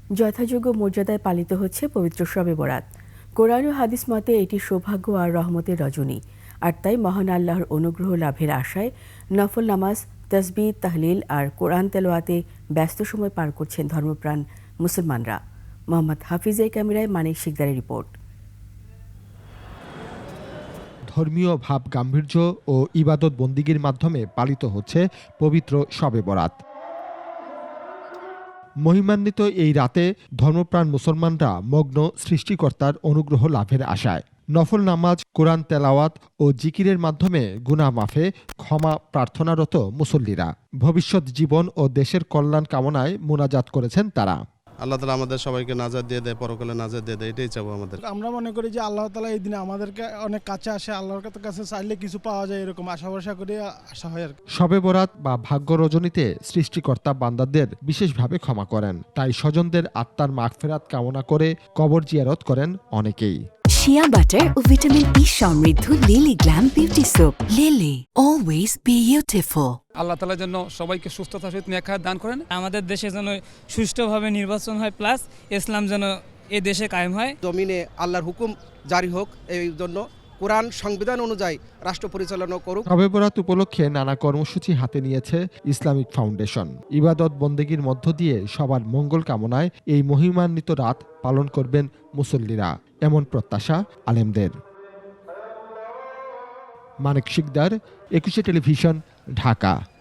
যথাযোগ্য মর্যাদায় পালিত হচ্ছে পবিত্র শবে বরাত। কোরআন ও হাদিস মতে এটি সৌভাগ্য আর রহমতের রজনী, আর তাই মহান আল্লাহর অনুগ্রহ লাভের আশায় নফল নামাজ, তাসবিহ, তাহলিল আর কোরআন তেলাওয়াতে ব্যস্ত সময় পার করছেন ধর্মপ্রাণ মুসলমানরা। মোহাম্মদ হাফিজের ক্যামেরায় মানিক শিকদারের রিপোর্ট। ধর্মীয় ভাব গাম্ভীর্য ও ইবাদত বন্দিগির মাধ্যমে পালিত হচ্ছে পবিত্র শবে বরাত। মহিমান্বিত এই রাতে ধর্মপ্রাণ মুসলমানরা মগ্ন সৃষ্টিকর্তার অনুগ্রহ লাভের আশায়। নফল নামাজ, কোরআন তেলাওয়াত ও জিকিরের মাধ্যমে গুনাহ মাফে ক্ষমা প্রার্থনারত মুসল্লিরা ভবিষ্যৎ জীবন ও দেশের কল্যাণ কামনায় মোনাজাত করেছেন তারা। আল্লাহ তাআলা আমাদের সবাইকে নাজাত দিয়ে দেয়, পরকালে নাজাত দিয়ে দেয়, এটাই চাবো আমাদের। আমরা মনে করি যে আল্লাহ তাআলা এই দিনে আমাদেরকে অনেক কাছে আসে, আল্লাহর কাছে চাইলে কিছু পাওয়া যায়, এরকম আশা ভরসা করে আসা হয় আর কি। শবে বরাত বা ভাগ্য রজনীতে সৃষ্টিকর্তা বান্দাদের বিশেষভাবে ক্ষমা করেন, তাই স্বজনদের আত্মার মাগফিরাত কামনা করে কবর জিয়ারত করেন অনেকেই। শিয়া বাটার ও ভিটামিন ই সমৃদ্ধ Lily glam beauty soap. Lily, always beautiful. Allah তাআলা যেন সবাইকে সুস্থতার সহিত নেক হায়াত দান করেন। আমাদের দেশে যেন সুষ্ঠুভাবে নির্বাচন হয়, প্লাস ইসলাম যেন এ দেশে কায়েম হয়। জমিনে আল্লাহর হুকুম জারি হোক, এই জন্য কোরআন সংবিধান অনুযায়ী রাষ্ট্র পরিচালনা করুক। শবে বরাত উপলক্ষে নানা কর্মসূচি হাতে নিয়েছে ইসলামিক ফাউন্ডেশন। ইবাদত বন্দেগীর মধ্য দিয়ে সবার মঙ্গল কামনায় এই মহিমান্বিত রাত পালন করবেন মুসল্লিরা, এমন প্রত্যাশা আলেমদের। মানিক শিকদার, 21 টেলিভিশন, ঢাকা।